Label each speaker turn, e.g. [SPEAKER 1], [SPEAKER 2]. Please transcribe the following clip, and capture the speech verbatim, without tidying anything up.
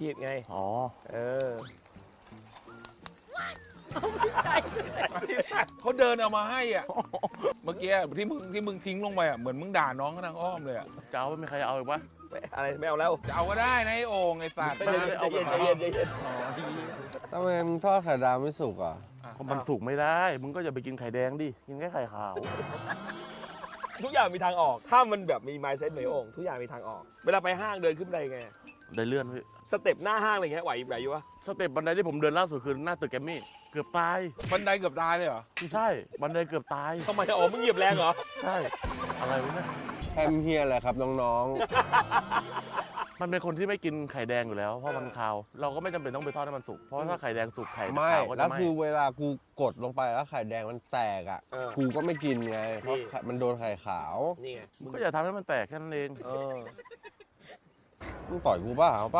[SPEAKER 1] ขีดไง
[SPEAKER 2] อ๋อ
[SPEAKER 1] เออ
[SPEAKER 3] เขาเดินเอามาให้อ่ะ เมื่อกี้ที่มึงที่มึงทิ้งลงไปอ่ะเหมือนมึงด่าน้องเขาทางอ้อมเลยอ่ะ
[SPEAKER 2] จะเอาไม่มีใครเอาอีกวะ
[SPEAKER 1] ไม่อะไรไม่เอาแล้ว
[SPEAKER 3] จะเอาก็ได้นะไอ้โอ่งไอ้สัตว์
[SPEAKER 1] ใจเย็นใจเย็นใจเย็นใจเย็น
[SPEAKER 4] ทำไมมึงทอดไข่ดาวไม่สุกอ่ะ
[SPEAKER 2] เพราะมันสุกไม่ได้ มึงก็อย่าไปกินไข่แดงดิ กินแค่ไข่ขาว
[SPEAKER 1] ทุกอย่างมีทางออก ถ้ามันแบบมี mindset เหมือนโอ่งทุกอย่างมีทางออก เวลาไปห้างเดินขึ้นบันไดไง
[SPEAKER 2] ได้เลื่อนพี่
[SPEAKER 1] สเต็ปหน้าห้างอะไรเงี้ยไหวไหวอยู่วะ
[SPEAKER 2] สเต็ปบันไดที่ผมเดินล่าสุดคือหน้าตึกแกรมมี่ เกือบตาย
[SPEAKER 3] บันไดเกือบตายเลยเหรอ
[SPEAKER 2] ไม่ใช่ บันไดเกือบตาย
[SPEAKER 1] ทำไมอ๋อมึงเหยียบแรงเหรอ
[SPEAKER 2] ใช่ อะไรวะเนี่ย
[SPEAKER 4] แฮมเฮียอะไรครับน้อง
[SPEAKER 2] มันเป็นคนที่ไม่กินไข่แดงอยู่แล้ว เพราะมันคาว เราก็ไม่จำเป็นต้องไปทอดให้มันสุก เพราะถ้าไข่แดงสุกไข่
[SPEAKER 4] ๆ ไม่
[SPEAKER 2] ขาวก็
[SPEAKER 4] แล้
[SPEAKER 2] จะ
[SPEAKER 4] ว
[SPEAKER 2] ไหม้
[SPEAKER 4] คือเวลากูกดลงไปแล้วไข่แดงมันแตกอ่ะ
[SPEAKER 1] เออ
[SPEAKER 4] กูก็ไม่กินไง เพราะ
[SPEAKER 1] นี่
[SPEAKER 4] ไข่มันโดนไข่ขาว
[SPEAKER 1] นี่ไง
[SPEAKER 2] มึงก็อย่าทำให้มันแตกแค่นั้นเอง
[SPEAKER 1] เออ
[SPEAKER 4] มึงต่อยกูเปล่า